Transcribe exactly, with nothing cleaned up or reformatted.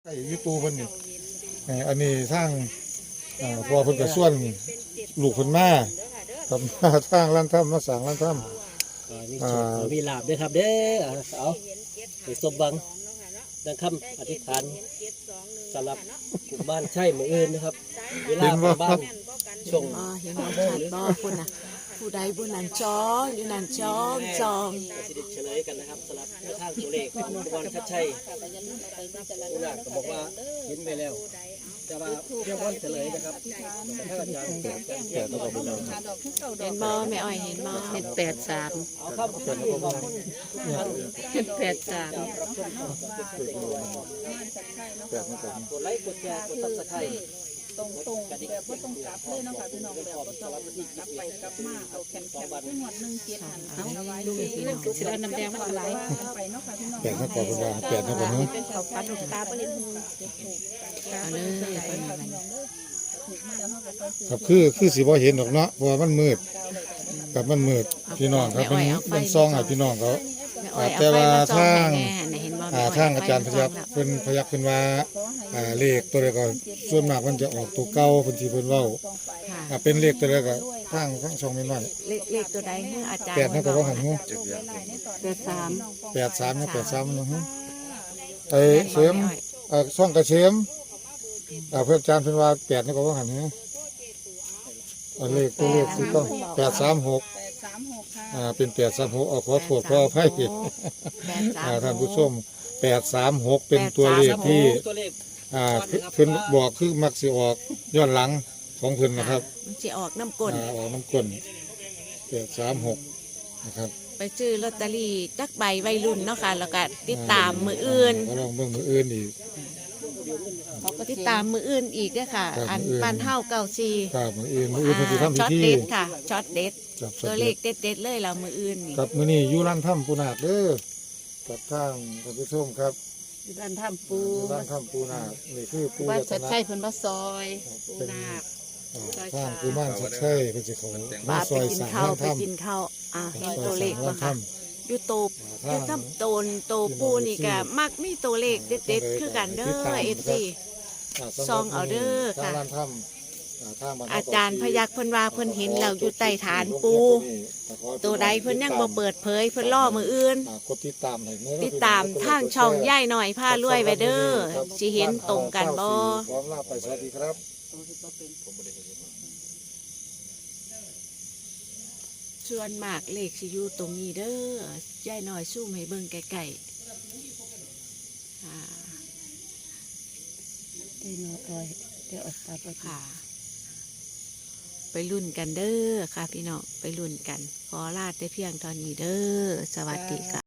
ไอ้ยี่ปูเพิ่นนี่เอ่ออันนี้ทางอ่าพอเพิ่นก็ส่วนลูกเพิ่นมาทำมาทางร้านถ้ำมาสร้างร้านถ้อ่ามีโชคมีลาบด้วยครับเด้อเอาไปสมบังดังคำอธิษฐานสำหรับกลุ่มบ้านใช่มืออื่นนะครับเวลาไปบ้านช่วงอ๋อเห็นบ่ชัดบ่พุ่นน่ะผู้ใดผู้นั้นจองอยู่นั่นจองจองสิริเฉลยกันนะครับสำหรับแนวทางตัวเลขของคุณวันชัดชัยผู้หลักก็บอกว่าเห็นไปแล้วแต่ว่าเรียกวันเฉลยนะครับถ้าอาจารย์เกิดการแก้ตัวของเราเห็นบ่แม่อ้อยเห็นบ่เห็นแปดสามเอาครับขอบคุณขอบคุณเห็นแปดสามำแปดนี่แปดนี่กดไลค์กดแชร์กดซับสไครต์ตรงตรงแบบว่าต้องกลับเลยเนาะค่ะพี่น้องแบบว่าต้องกลับไปกลับมาเอาแขนแขนขึ้นหมดหนึ่งเจ็ดหันเอาไว้ดูพี่น้องสิเอาน้ำแดงมาไหลไปเนาะค่ะพี่น้องแปดนั่นก่อนเพิ่นว่าแปดนั่นก่อนเนาะเป็นเขาปัดตาไปเลยเอาเลยเพิ่นว่าครับคือคือสิบ่เห็นดอกเนาะเพราะว่ามันมืดกับมันมืดพี่น้องครับมันมันซ่องให้พี่น้องเขาแม่อ้อยแต่เอาไฟว่ามาจองทางให้แน่น่ะเห็นบ่อ่าแม่อ้อยทางอาจารย์พยักเพิ่นพยักเพิ่นว่าอ่าเลขตัวใดก็ส่วนมากมันจะออกตัวเก่าเพิ่นสิเพิ่นเว้าค่ะอ่าเป็นเลขตัวใดก็ทางทางช่องแม่นว่าเลขเลขตัวใดให้อาจารย์แปดนั่นก็ว่าหันหูแปดสามแปดสามนะแปดสามนะฮะไอ้เสียมเอ่อช่องกระเสียมอ่าเพื่อนอาจารย์เพิ่นว่าแปดนี่ก็ว่าหันฮะอันเลขตัวเลขที่ต้องแปดสามหกแปดสามหกค่ะอ่าเป็นแปดสามหกเอาขอโทษขออภัยแปดสามอ่าท่านผู้ชมแปดสามหกเป็นตัวเลขที่ตัวเลขอ่าเพิ่นบอกคือมักสิออกย้อนหลังของเพิ่นนะครับมันสิออกน้ำก้นอ่าออกน้ำก้นแปดสามหกนะครับไปซื้อลอตเตอรี่จักใบวัยรุ่นเนาะค่ะแล้วก็ติดตามมืออื่นก็ลองเบิ่งมืออื่นอีกติดตามมืออื่นอีกด้วยค่ะครับอันมื้ออื่นบ้านเฮาเก่าซีครับมืออื่นมืออื่นเพิ่นสิทำพิช็อตธีเด็ดค่ะช็อตเด็ดจับตัวเลขเด็ดเด็ดๆเลยเรามืออื่นนี่ครับมื้อนี้อยู่ร้านถ้ำปูนาคเด้อกับทางท่านผู้ชมครับอยู่ด้านถ้ำปูอยู่ร้านถ้ำปูนาคนี่คือปูบ้านรัตชัดนะชัยเพิ่นมาซอยปูนาคอ่าซอยทางขาคือบ้านชัดชัยเพิ่นสิเขามาป้าซไปอยกินสร้างข้าวร้านไปถ้ำกินข้าวอ่าเห็นซอยตัวเลขสร้างบ่ร้านค่ะถ้ำอยู่โตอทางยู่ทำโตนโตปูนี่ก็มักมีตัวเลขเด็ดเด็ดๆคือกันเด้อเอฟซี ซองเอาเด้อค่ะทางร้านถ้ำอ่าทางบ้นอาจารย์พยักเพิ่นว่าเพิ่นเห็นแล้วอยู่ใต้ฐานปู ตัวใดเพิ่นยังบ่เปิดเผยเพิ่นล่อมืออื่นอ่ากดติดตามให้เด้อติดตามทางช่องย่ายหน่อยผ้ารวยไว้เด้อสิเห็นตรงกันบ่พร้อมลาไปสวัสดีครับส่วนมากเลขสิอยู่ตรงนี้เด้อย่ายหน่อยซูมให้เบิ่งไกลๆอ่าเอ้ยน้อยอ้อยเดี๋ยวเอาตาไปค่ะ ไปรุ่นกันเด้อค่ะพี่น้องไปรุ่นกัน ขอลาแต่เพียงเท่านี้เด้อสวัสดีค่ะ